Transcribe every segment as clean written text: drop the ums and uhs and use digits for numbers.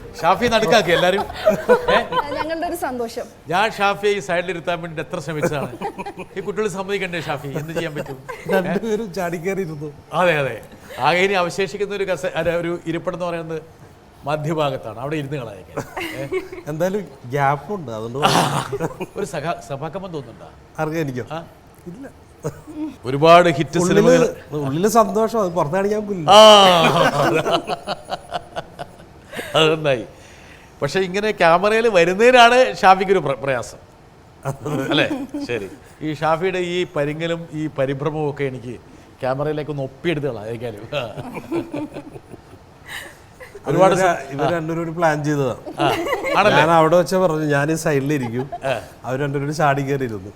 ഷാഫി നടുക്കാക്കി എല്ലാരും. ഞങ്ങളുടെ ഒരു സന്തോഷം. ഞാൻ ഷാഫിയെ ഈ സൈഡിൽ ഇരുത്താൻ വേണ്ടി എത്ര ശ്രമിച്ചതാണ്. ഈ കുട്ടികൾ സമ്മതിക്കണ്ടേ ഷാഫി, എന്ത് ചെയ്യാൻ പറ്റും? രണ്ടുപേരും ചാടിക്കേറിയിരുന്നു. അതെ അതെ. ആകെ ഇനി അവശേഷിക്കുന്ന ഒരു ഇരിപ്പിടം എന്ന് പറയുന്നത് മധ്യഭാഗത്താണ്. അവിടെ ഇരുന്ന് കളയാൻ എന്തായാലും ഗ്യാപ്പുണ്ട്, അതുകൊണ്ട് ഒരു സഭാകമ്പം തോന്നുന്നുണ്ടോ? അറിയാം എനിക്കോ? ഇല്ല, ഒരുപാട് ഹിറ്റ് സിനിമകൾ ഉള്ളില് സന്തോഷം, അത് പുറത്ത് കാണിക്കാൻ പോലില്ല. അത് നന്നായി. പക്ഷെ ഇങ്ങനെ ക്യാമറയിൽ വരുന്നതിനാണ് ഷാഫിക്കൊരു പ്രയാസം അല്ലേ? ശരി. ഈ ഷാഫിയുടെ ഈ പരിങ്ങലും ഈ പരിഭ്രമവും ഒക്കെ എനിക്ക് ക്യാമറയിലേക്ക് ഒന്ന് ഒപ്പിയെടുത്ത് കളയാലും. ഒരുപാട് ഇവർ രണ്ടുപേരും പ്ലാൻ ചെയ്തതാണ്. ഞാൻ അവിടെ വെച്ച പറഞ്ഞു ഞാൻ ഈ സൈഡിലിരിക്കും, അവർ രണ്ടുപേരും ചാടി കയറിയിരുന്നു.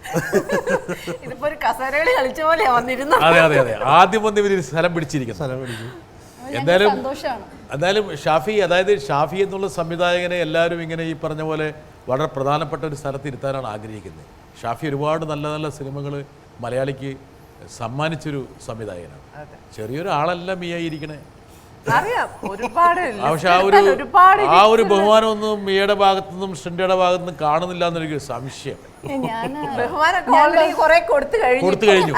അതെ അതെ അതെ. ആദ്യം വന്ന് ഇവർ സ്ഥലം പിടിച്ചിരിക്കും. എന്തായാലും ഷാഫി, അതായത് ഷാഫി എന്നുള്ള സംവിധായകനെ എല്ലാവരും ഇങ്ങനെ ഈ പറഞ്ഞ പോലെ വളരെ പ്രധാനപ്പെട്ട ഒരു സ്ഥലത്ത് ഇരുത്താനാണ് ആഗ്രഹിക്കുന്നത്. ഷാഫി ഒരുപാട് നല്ല നല്ല സിനിമകൾ മലയാളിക്ക് സമ്മാനിച്ചൊരു സംവിധായകനാണ്. ചെറിയൊരു ആളല്ല മിയ ഇരിക്കണേ. പക്ഷെ ആ ഒരു ബഹുമാനമൊന്നും മിയയുടെ ഭാഗത്തുനിന്നും ഷിൻഡയുടെ ഭാഗത്തുനിന്നും കാണുന്നില്ല എന്നൊരു സംശയം. കൊടുത്തു കഴിഞ്ഞു.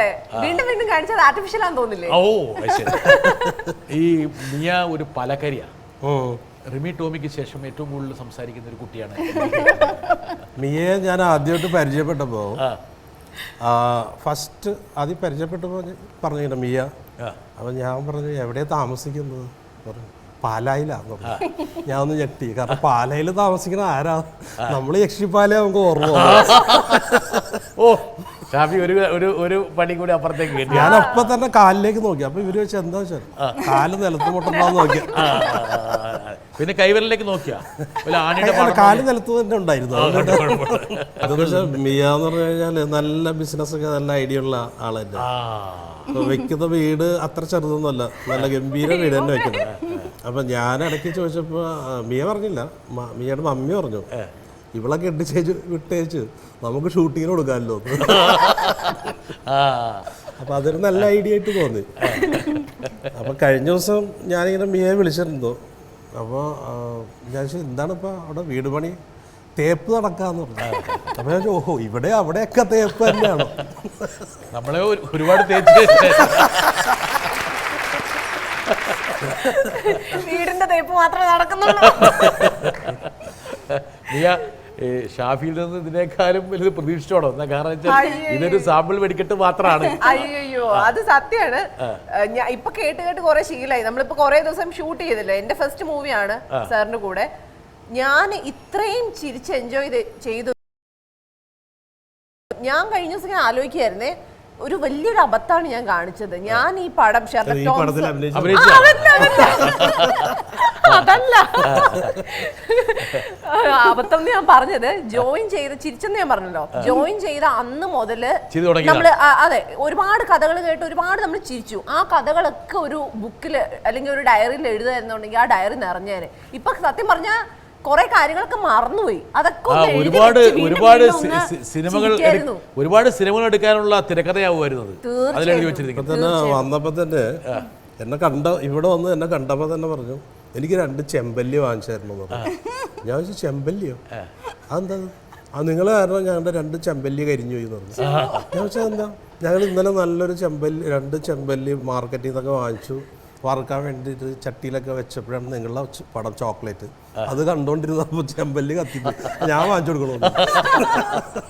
ഓ ശരി. ഈ മിയ ഒരു പലകരിയാണ്. റിമി ടോമിക്ക് ശേഷം ഏറ്റവും കൂടുതൽ സംസാരിക്കുന്ന ഒരു കുട്ടിയാണ് മിയയെ. ഞാൻ ആദ്യമായിട്ട് പരിചയപ്പെട്ടപ്പോ ഫസ്റ്റ് ആദ്യം പരിചയപ്പെട്ടപ്പോൾ പറഞ്ഞു മിയ. അപ്പം ഞാൻ പറഞ്ഞു എവിടെയാ താമസിക്കുന്നത് പറഞ്ഞു. പാലായിലാന്ന് പറഞ്ഞു. ഞാൻ ഒന്ന് ഞെട്ടി, കാരണം പാലായിൽ താമസിക്കുന്ന ആരാ? നമ്മൾ യക്ഷിപ്പാല നമുക്ക് ഓർമ്മ. ഓ ഷാഫി ഒരു പണി കൂടി അപ്പുറത്തേക്ക്. ഞാൻ അപ്പൊ തന്നെ കാലിലേക്ക് നോക്കി. അപ്പൊ ഇവര് വെച്ചാൽ എന്താ വെച്ചാൽ കാല് നിലത്ത് മുട്ടുണ്ടാന്ന് നോക്കി. പിന്നെ കൈവരലിലേക്ക് നോക്കിയാ കാല് നിലത്ത് തന്നെ ഉണ്ടായിരുന്നു. അതെന്ന് വെച്ചാൽ മിയ എന്ന് പറഞ്ഞു കഴിഞ്ഞാല് നല്ല ബിസിനസ് ഒക്കെ നല്ല ഐഡിയ ഉള്ള ആളല്ലേ. വെക്കുന്ന വീട് അത്ര ചെറുതൊന്നുമല്ല, നല്ല ഗംഭീര വീട് തന്നെ വെക്കുന്നത്. അപ്പൊ ഞാൻ ഇടയ്ക്ക് ചോദിച്ചപ്പോ മിയ പറഞ്ഞില്ല, മിയയുടെ മമ്മി പറഞ്ഞു ഇവളെ കെട്ടിച്ചേച്ച് വിട്ടേച്ച് നമുക്ക് ഷൂട്ടിങ്ങിന് കൊടുക്കാമല്ലോ. അപ്പൊ അതൊരു നല്ല ഐഡിയ ആയിട്ട് തോന്നി. അപ്പൊ കഴിഞ്ഞ ദിവസം ഞാനിങ്ങനെ മിയയെ വിളിച്ചിരുന്നു. അപ്പോൾ ഞാൻ ചോദിച്ചു എന്താണ് ഇപ്പൊ അവിടെ വീട് പണി തേപ്പ് നടക്കാന്ന് പറഞ്ഞു. അപ്പൊ ഞാൻ ഓഹോ ഇവിടെ അവിടെയൊക്കെ തേപ്പ് തന്നെയാണോ? നമ്മളെ ഒരുപാട് തേച്ച് വീടിന്റെ തേപ്പ് മാത്രമേ നടക്കുന്നുള്ളൂ. ഷാഫിയിൽ നിന്ന് ഇതിനേക്കാളും വലുത് പ്രതീക്ഷിച്ചോടോ? എന്നാ കാരണം വെച്ചാൽ ഇതൊരു സാമ്പിൾ വെടിക്കെട്ട് മാത്രമാണ്. അയ്യോ അത് സത്യമാണ്. ഇപ്പൊ കേട്ട് കുറെ ശീലമായി. നമ്മളിപ്പോ കുറെ ദിവസം ഷൂട്ട് ചെയ്തില്ലേ, എന്റെ ഫസ്റ്റ് മൂവിയാണ് സാറിന്റെ കൂടെ. ഞാൻ ഇത്രയും ചിരിച്ച് എൻജോയ് ചെയ്തു. ഞാൻ കഴിഞ്ഞ ദിവസം ഞാൻ ആലോചിക്കായിരുന്നേ, ഒരു വലിയൊരു അബദ്ധമാണ് ഞാൻ കാണിച്ചത്. ഞാൻ ഈ പടം അതല്ല അബദ്ധം ഞാൻ പറഞ്ഞത്, ജോയിൻ ചെയ്ത് ചിരിച്ചെന്ന് ഞാൻ പറഞ്ഞല്ലോ. ജോയിൻ ചെയ്ത അന്ന് മുതല് നമ്മള് അതെ ഒരുപാട് കഥകൾ കേട്ട് ഒരുപാട് നമ്മൾ ചിരിച്ചു. ആ കഥകളൊക്കെ ഒരു ബുക്കില് അല്ലെങ്കിൽ ഒരു ഡയറിയിൽ എഴുതുന്നുണ്ടെങ്കിൽ ആ ഡയറി നിറഞ്ഞേനെ. ഇപ്പൊ സത്യം പറഞ്ഞാ കുറെ കാര്യങ്ങളൊക്കെ മറന്നുപോയി. അതൊക്കെ ഒരുപാട് സിനിമകൾ എടുക്കാനുള്ള തിരക്കഥയാവുമായിരുന്നത് അതിലെഴുതി വെച്ചിരിക്കുന്നത്. വന്നപ്പോ തന്നെ എന്നെ ഇവിടെ വന്ന് എന്നെ കണ്ടപ്പോ തന്നെ പറഞ്ഞു എനിക്ക് 2 ചെമ്പല്ലി വാങ്ങിച്ചായിരുന്നു പറഞ്ഞു. ഞാൻ ചോദിച്ചു ചെമ്പല്ലിയോ? അതെന്താ? നിങ്ങൾ കാരണം ഞങ്ങളുടെ 2 ചെമ്പല്ലി കരിഞ്ഞു പോയി പറഞ്ഞു. ഞാൻ ചോദിച്ചാൽ എന്താ? ഞങ്ങൾ ഇന്നലെ നല്ലൊരു 2 ചെമ്പല്ലി മാർക്കറ്റിൽ നിന്നൊക്കെ വാങ്ങിച്ചു വറുക്കാൻ വേണ്ടിയിട്ട് ചട്ടിയിലൊക്കെ വെച്ചപ്പോഴാണ് നിങ്ങളുടെ പടം ചോക്ലേറ്റ്. അത് കണ്ടോണ്ടിരുന്നപ്പോൾ ചെമ്പല്ലി കത്തിപ്പോയി. ഞാൻ വാങ്ങിച്ചു കൊടുക്കണോ?